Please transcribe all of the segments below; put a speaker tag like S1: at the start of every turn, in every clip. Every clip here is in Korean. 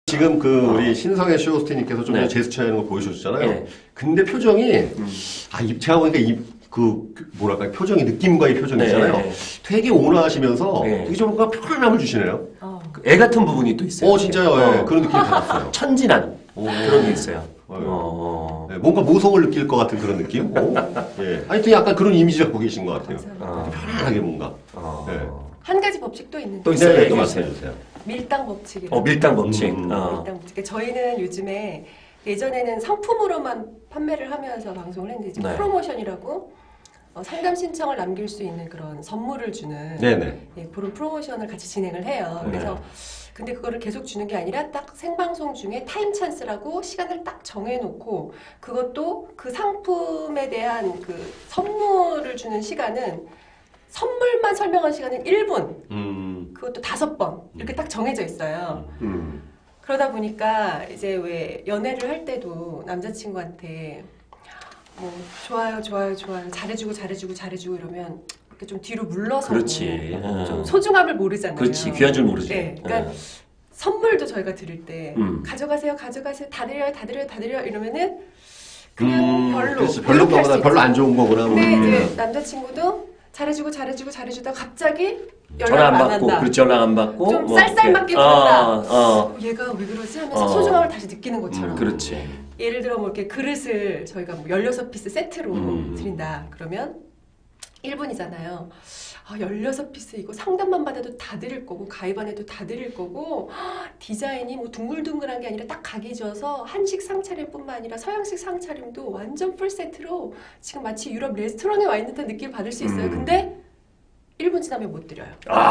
S1: 지금 우리 신성의 쇼호스트님께서 좀 전에 제스처 하는 거 보여주셨잖아요.
S2: 네.
S1: 근데 표정이, 제가 보니까 뭐랄까, 표정이, 느낌과의 표정이 있잖아요.
S2: 네.
S1: 되게 온화하시면서
S2: 네.
S1: 되게 좀 뭔가 편안함을 주시네요.
S2: 애 같은 부분이 또 있어요.
S1: 진짜요. 예, 그런 느낌이 받았어요.
S2: 천진한 그런 게 있어요.
S1: 네, 뭔가 모성을 느낄 것 같은 그런 느낌? 예. 하여튼 약간 그런 이미지 갖고 계신 것 같아요. 편안하게 뭔가. 네.
S3: 한 가지 법칙도 있는데.
S2: 또 있어요.
S1: 네, 또 말씀해주세요.
S3: 밀당 법칙이라고.
S2: 밀당 법칙.
S3: 밀당 법칙. 저희는 요즘에 예전에는 상품으로만 판매를 하면서 방송을 했는데 이제
S2: 네.
S3: 프로모션이라고 상담 신청을 남길 수 있는 그런 선물을 주는
S1: 네네.
S3: 그런 프로모션을 같이 진행을 해요. 그래서 근데 그거를 계속 주는 게 아니라 딱 생방송 중에 타임 찬스라고 시간을 딱 정해놓고 그것도 그 상품에 대한 그 선물을 주는 시간은 선물만 설명한 시간은 1분, 그것도 5번 이렇게 딱 정해져 있어요. 그러다 보니까 이제 왜 연애를 할 때도 남자친구한테 뭐 좋아요, 좋아요, 좋아요, 잘해주고 이러면 이렇게 좀 뒤로 물러서고
S2: 그렇지.
S3: 좀 소중함을 모르잖아요.
S2: 그렇지. 귀한 줄 모르지.
S3: 네, 그러니까 선물도 저희가 드릴 때 가져가세요, 다 드려요 이러면은 그냥 별로.
S1: 그렇지. 별로 안 좋은 거구나.
S3: 근데 이제 남자친구도 잘해주다 갑자기
S2: 전화
S3: 연락
S2: 안
S3: 안
S2: 받고,
S3: 한다.
S2: 그렇지, 연락 안 받고.
S3: 좀
S2: 뭐
S3: 쌀쌀맞게
S2: 이렇게.
S3: 굴었다. 얘가 왜 그러지 하면서 소중함을 다시 느끼는 것처럼.
S2: 그렇지.
S3: 예를 들어 뭐 이렇게 그릇을 저희가 뭐 16피스 세트로 드린다. 그러면 1분이잖아요. 16피스 이거 상담만 받아도 다 드릴 거고 가입 안 해도 다 드릴 거고 디자인이 뭐 둥글둥글한 게 아니라 딱 각이 져서 한식 상차림뿐만 아니라 서양식 상차림도 완전 풀 세트로 지금 마치 유럽 레스토랑에 와 있는 듯한 느낌을 받을 수 있어요. 근데 1분 지나면 못 드려요.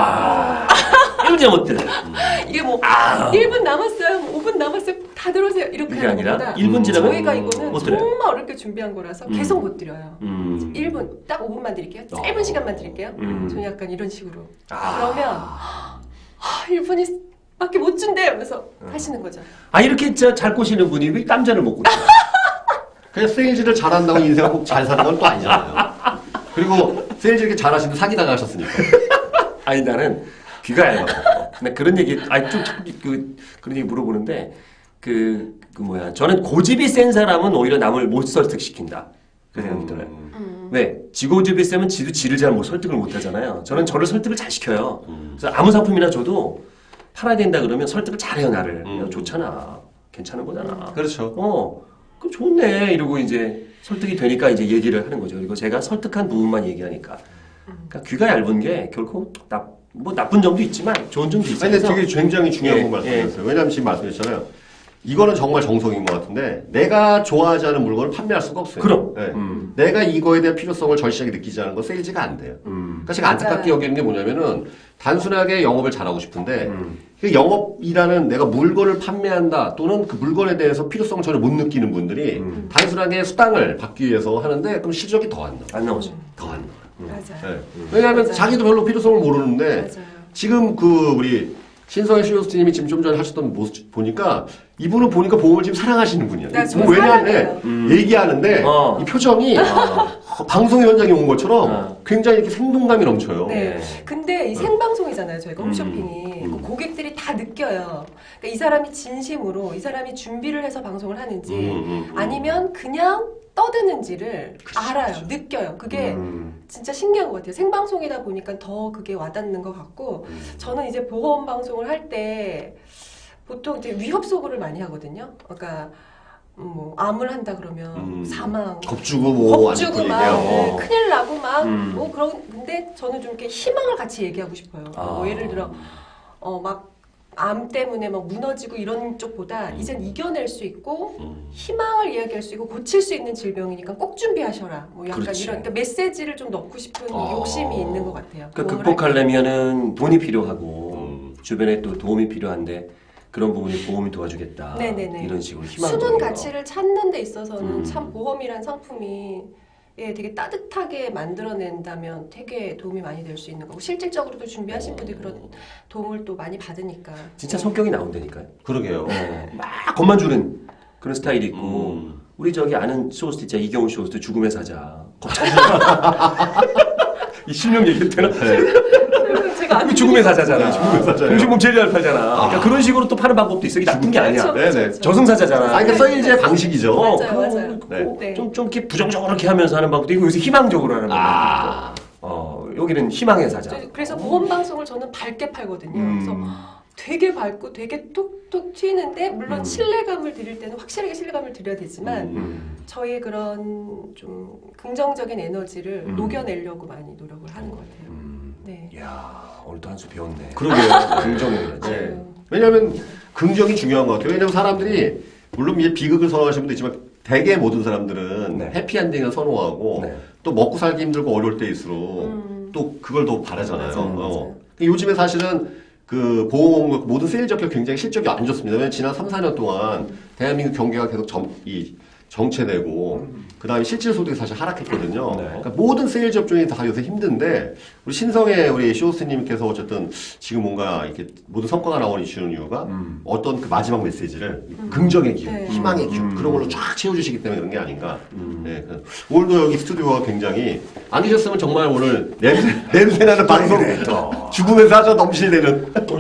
S2: 1분 전에 못 들어.
S3: 이게 뭐 1분 남았어요, 뭐 5분 남았어요, 다 들어오세요 이렇게
S2: 그게
S3: 하는
S2: 아니라
S3: 것보다
S2: 1분 지나면
S3: 저희가 이거는
S2: 못 드려요.
S3: 정말 어렵게 준비한 거라서 계속 못 드려요. 1분 딱 5분만 드릴게요. 짧은 시간만 드릴게요. 저는 약간 이런 식으로. 그러면 1분이 밖에 못 준대 이러면서 하시는 거죠.
S2: 이렇게 잘 꼬시는 분이 왜 땀자를 먹고 있어요?
S1: 그냥 세일즈를 잘한다고 인생을 꼭 잘 사는 건 또 아니잖아요. 그리고 세일즈 이렇게 잘하시는데 사기당하 하셨으니까.
S2: 나는 귀가 얇아. 근데 그런 얘기, 그런 얘기 물어보는데, 저는 고집이 센 사람은 오히려 남을 못 설득시킨다. 그 생각이 들어요. 왜? 지고집이 세면 지도 지를 잘 설득을 못 하잖아요. 저는 저를 설득을 잘 시켜요. 그래서 아무 상품이나 줘도 팔아야 된다 그러면 설득을 잘해요, 나를. 야, 좋잖아. 괜찮은 거잖아.
S1: 그렇죠.
S2: 그럼 좋네. 이러고 이제 설득이 되니까 이제 얘기를 하는 거죠. 그리고 제가 설득한 부분만 얘기하니까. 그러니까 귀가 얇은 게 결코 나쁜 점도 있지만 좋은 점도 있어요.
S1: 근데 되게 굉장히 중요한 거
S2: 예,
S1: 말씀하셨어요. 왜냐하면 지금 말씀하셨잖아요. 이거는 정말 정석인 것 같은데 내가 좋아하지 않은 물건을 판매할 수가 없어요.
S2: 그럼.
S1: 네. 내가 이거에 대한 필요성을 절실하게 느끼지 않은 건 세일즈가 안 돼요. 그러니까 제가 안타깝게 여기는 게 뭐냐면은 단순하게 영업을 잘하고 싶은데 그 영업이라는 내가 물건을 판매한다 또는 그 물건에 대해서 필요성을 전혀 못 느끼는 분들이 단순하게 수당을 받기 위해서 하는데 그럼 실적이 더 안 나와요.
S2: 안 나오죠.
S1: 더 안 나와요.
S3: 맞아요.
S1: 네. 왜냐하면
S3: 맞아요.
S1: 자기도 별로 필요성을 모르는데
S3: 맞아요.
S1: 지금 우리 신성의 쇼호스트님이 지금 좀 전에 하셨던 모습 보니까 이분은 보니까 보험을 지금 사랑하시는 분이야.
S3: 나 정말
S1: 왜냐하면 얘기하는데 이 표정이 방송 현장에 온 것처럼 굉장히 이렇게 생동감이 넘쳐요.
S3: 네. 근데 이 생방송이잖아요. 저희가 홈쇼핑이. 그 고객들이 다 느껴요. 그러니까 이 사람이 진심으로 이 사람이 준비를 해서 방송을 하는지 아니면 그냥 떠드는지를 알아요. 느껴요. 그게 진짜 신기한 것 같아요. 생방송이다 보니까 더 그게 와닿는 것 같고 저는 이제 보험 방송을 할 때 보통 이제 위협 소구를 많이 하거든요. 그러니까 뭐 암을 한다 그러면 사망,
S1: 겁주고 뭐
S3: 겁주고
S1: 안
S3: 막
S1: 얘기하고.
S3: 네, 큰일 나고 막 뭐 근데 저는 좀 이렇게 희망을 같이 얘기하고 싶어요. 뭐 예를 들어 막 암 때문에 막 무너지고 이런 쪽보다 이젠 이겨낼 수 있고 희망을 이야기할 수 있고 고칠 수 있는 질병이니까 꼭 준비하셔라. 뭐 약간
S2: 그렇지.
S3: 이런 그러니까 메시지를 좀 넣고 싶은 욕심이 있는 것 같아요.
S2: 그러니까
S3: 보험을 할 때.
S2: 극복하려면은 돈이 필요하고 주변에 또 도움이 필요한데 그런 부분이 보험이 도와주겠다.
S3: 네네네.
S2: 이런 식으로 희망적인
S3: 숨은
S2: 거.
S3: 가치를 찾는 데 있어서는 참 보험이란 상품이 되게 따뜻하게 만들어낸다면 되게 도움이 많이 될 수 있는 거고 실질적으로도 준비하신 분들이 그런 도움을 또 많이 받으니까
S2: 진짜 성격이 나온다니까요.
S1: 그러게요.
S2: 막 겁만 주는 그런 스타일이 있고 우리 저기 아는 쇼호스트 있잖아. 이경훈 쇼호스트 죽음의 사자. 겁 잘 주는 이 실명 얘기해도 되나?
S3: 제가 안
S2: 죽음의 사자잖아.
S1: 죽음의 사자예요.
S2: 공신몸 제일 잘 팔잖아. 그러니까 그런 식으로 또 파는 방법도 있어. 이게 나쁜 게 아니야.
S3: 그렇죠,
S1: 네네.
S3: 그렇죠.
S2: 저승사자잖아.
S1: 아, 그러니까 세일즈의 방식이죠.
S3: 맞아요, 맞아요.
S1: 네.
S3: 네.
S2: 좀 이렇게 부정적으로 이렇게 하면서 하는 방법도 있고 요새 희망적으로 하는 방법도 있고. 여기는 희망의 사자.
S3: 그래서 보험 방송을 저는 밝게 팔거든요. 그래서 되게 밝고 되게 톡톡 튀는데 물론 신뢰감을 드릴 때는 확실하게 신뢰감을 드려야 되지만 저희의 그런 좀 긍정적인 에너지를 녹여내려고 많이 노력을 하는 것 같아요. 네.
S2: 이야, 오늘도 한 수 배웠네.
S1: 그러게요.
S2: 긍정의
S1: 네. 왜냐하면 긍정이 중요한 것 같아요. 왜냐하면 사람들이 물론 이제 비극을 선호하시는 분도 있지만 대개 모든 사람들은
S2: 네.
S1: 해피엔딩을 선호하고
S2: 네.
S1: 또 먹고 살기 힘들고 어려울 때일수록 또 그걸 더 바라잖아요.
S3: 맞아요.
S1: 요즘에 사실은 그 보험 모든 세일 적격 굉장히 실적이 안 좋습니다. 왜냐하면 지난 3, 4년 동안 대한민국 경기가 계속 정체되고 그다음에 실질 소득이 사실 하락했거든요.
S2: 네.
S1: 그러니까 모든 세일 접종이 다 요새 힘든데 우리 신성의 우리 쇼스님께서 어쨌든 지금 뭔가 이렇게 모든 성과가 나오는 이슈는 이유가 어떤 그 마지막 메시지를 긍정의 기운,
S3: 네.
S1: 희망의 기운 그런 걸로 쫙 채워주시기 때문에 그런 게 아닌가. 네. 오늘도 여기 스튜디오가 굉장히 안 계셨으면 정말 오늘 냄새나는 방송
S2: 그래, 또.
S1: 죽음의 사자 넘실대는